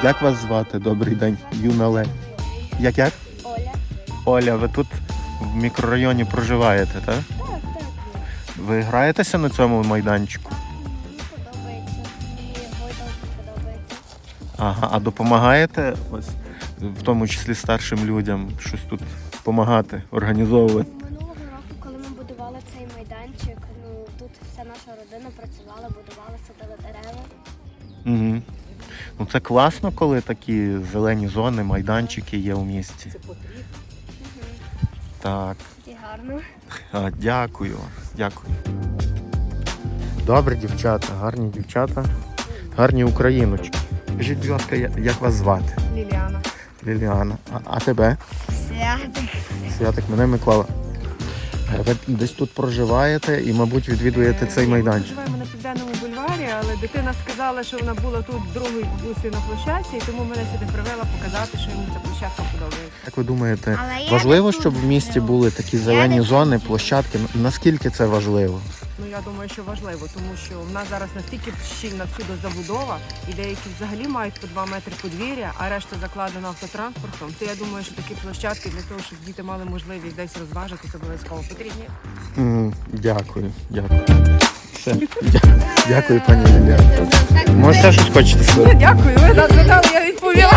Як вас звати? Добрий день, юна леді. Як? Оля. Оля, ви тут в мікрорайоні проживаєте, так? Так, так. Ви граєтеся на цьому майданчику? Мені подобається. Мені гойдалки подобається. Ага, а допомагаєте ось, в тому числі старшим людям, щось тут допомагати, організовувати? Минулого року, коли ми будували цей майданчик, тут вся наша родина працювала, будувала, садила дерева. Угу. Ну це класно, коли такі зелені зони, майданчики є у місті. Так. І гарно. Дякую. Дякую. Добре, дівчата, гарні дівчата, гарні україночки. Скажіть, будь ласка, як вас звати? Ліліана. Ліліана. А тебе? Святик. Святик, мене Микола. Ви десь тут проживаєте і, мабуть, відвідуєте цей майданчик. Ми живемо на Південному бульварі, але дитина сказала, що вона була тут в другій бабусі на площадці, і тому мене сюди привела показати, що йому ця площадка подобається. Як ви думаєте, Але я важливо, не тут щоб в місті живу. були такі зелені зони, площадки? Наскільки це важливо? Ну, я думаю, що важливо, тому що в нас зараз настільки щільна всюди забудова, і деякі взагалі мають по 2 метри подвір'я, а решта закладена автотранспортом. То я думаю, що такі площадки для того, щоб діти мали можливість десь розважитися, обов'язково потрібні. Дякую, дякую. Все. Дякую, пані Ліліана. Може, ще щось хочете сказати? Дякую, ви запитали, я відповіла.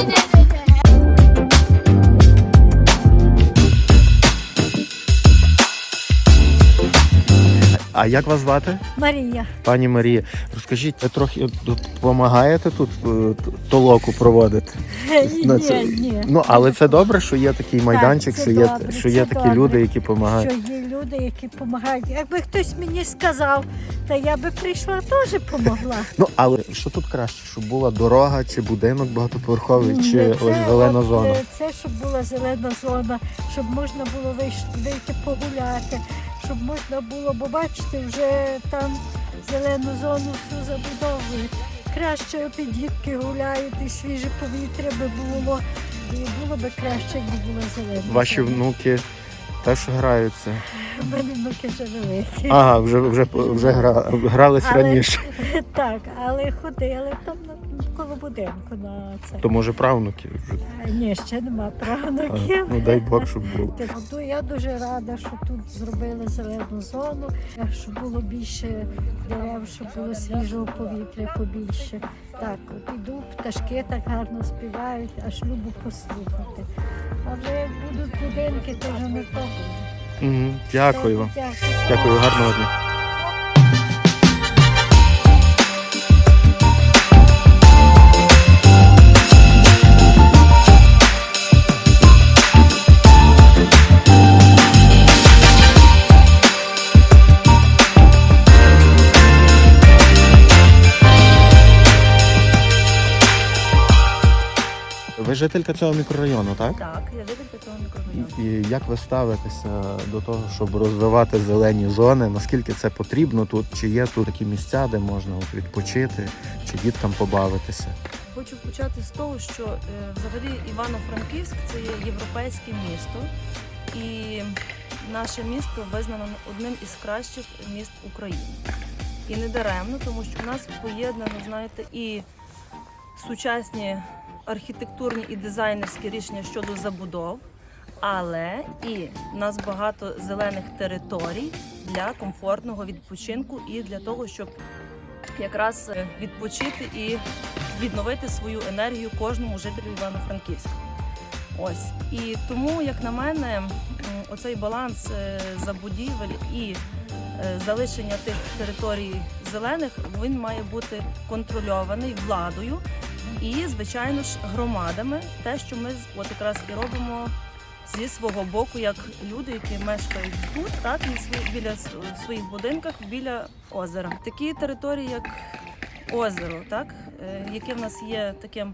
А як вас звати? Марія. Пані Марія, розкажіть, ви трохи допомагаєте тут толоку проводити? На це? Ні. Ну, але це добре, що є такий майданчик, це що є, добре, що є це такі добре. люди, які допомагають. Що є люди, які допомагають. Якби хтось мені сказав, то я би прийшла, теж помогла. Ну, але що тут краще, щоб була дорога, чи будинок багатоповерховий, чи ось зелена зона? Це, щоб була зелена зона, щоб можна було вийти погуляти, щоб можна було, бо бачите, вже там зелену зону всю забудовують. Краще от і дітки гуляють, і свіже повітря би було. І було би краще, якби була зелена. Ваші зона. внуки теж граються? У мене внуки вже великі. Ага, вже грались Але- раніше. Так, але ходили там коло будинку на це. То може правнуки вже? Ні, ще нема правнуків. Ну дай Бог, щоб було. Я дуже рада, що тут зробили зелену зону, щоб було більше дерев, щоб було свіжого повітря побільше. Так, от іду, пташки так гарно співають, аж любо послухати. А вже як будуть будинки, то вже не то буде. Угу. Дякую вам. Дякую. Дякую, гарного дня. Ви жителька цього мікрорайону, так? Так, я жителька цього мікрорайону. І як ви ставитеся до того, щоб розвивати зелені зони? Наскільки це потрібно тут? Чи є тут такі місця, де можна от відпочити, чи діткам побавитися? Хочу почати з того, що взагалі Івано-Франківськ – це є європейське місто, і наше місто визнано одним із кращих міст України. І не даремно, тому що в нас поєднано, знаєте, і сучасні архітектурні і дизайнерські рішення щодо забудов, але і в нас багато зелених територій для комфортного відпочинку і для того, щоб якраз відпочити і відновити свою енергію кожному жителю Івано-Франківська. Ось. І тому, як на мене, оцей баланс забудівель і залишення тих територій зелених, він має бути контрольований владою і, звичайно ж, громадами. Те, що ми от якраз і робимо зі свого боку, як люди, які мешкають тут, так, і біля своїх будинках, біля озера. Такі території, як озеро, так, яке в нас є таким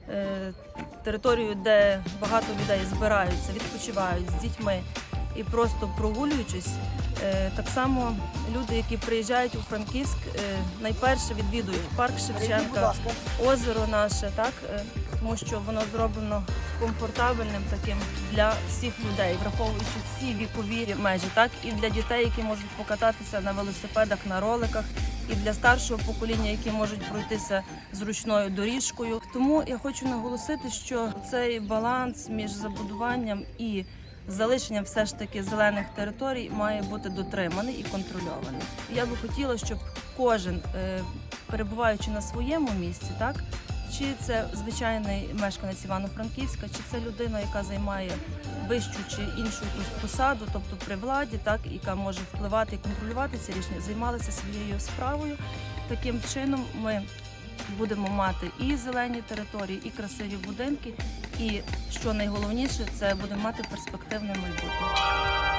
територією, де багато людей збираються, відпочивають з дітьми і просто прогулюючись. Так само люди, які приїжджають у Франківськ, найперше відвідують парк Шевченка, озеро наше, так, тому що воно зроблено комфортабельним таким для всіх людей, враховуючи всі вікові межі, так, і для дітей, які можуть покататися на велосипедах, на роликах, і для старшого покоління, які можуть пройтися зручною доріжкою. Тому я хочу наголосити, що цей баланс між забудуванням і залишенням все ж таки зелених територій має бути дотриманий і контрольований. Я би хотіла, щоб кожен, перебуваючи на своєму місці, так, чи це звичайний мешканець Івано-Франківська, чи це людина, яка займає вищу чи іншу якусь посаду, тобто при владі, так, яка може впливати і контролювати ці рішення, займалися своєю справою. Таким чином ми будемо мати і зелені території, і красиві будинки, і, що найголовніше, це будемо мати перспективне майбутнє.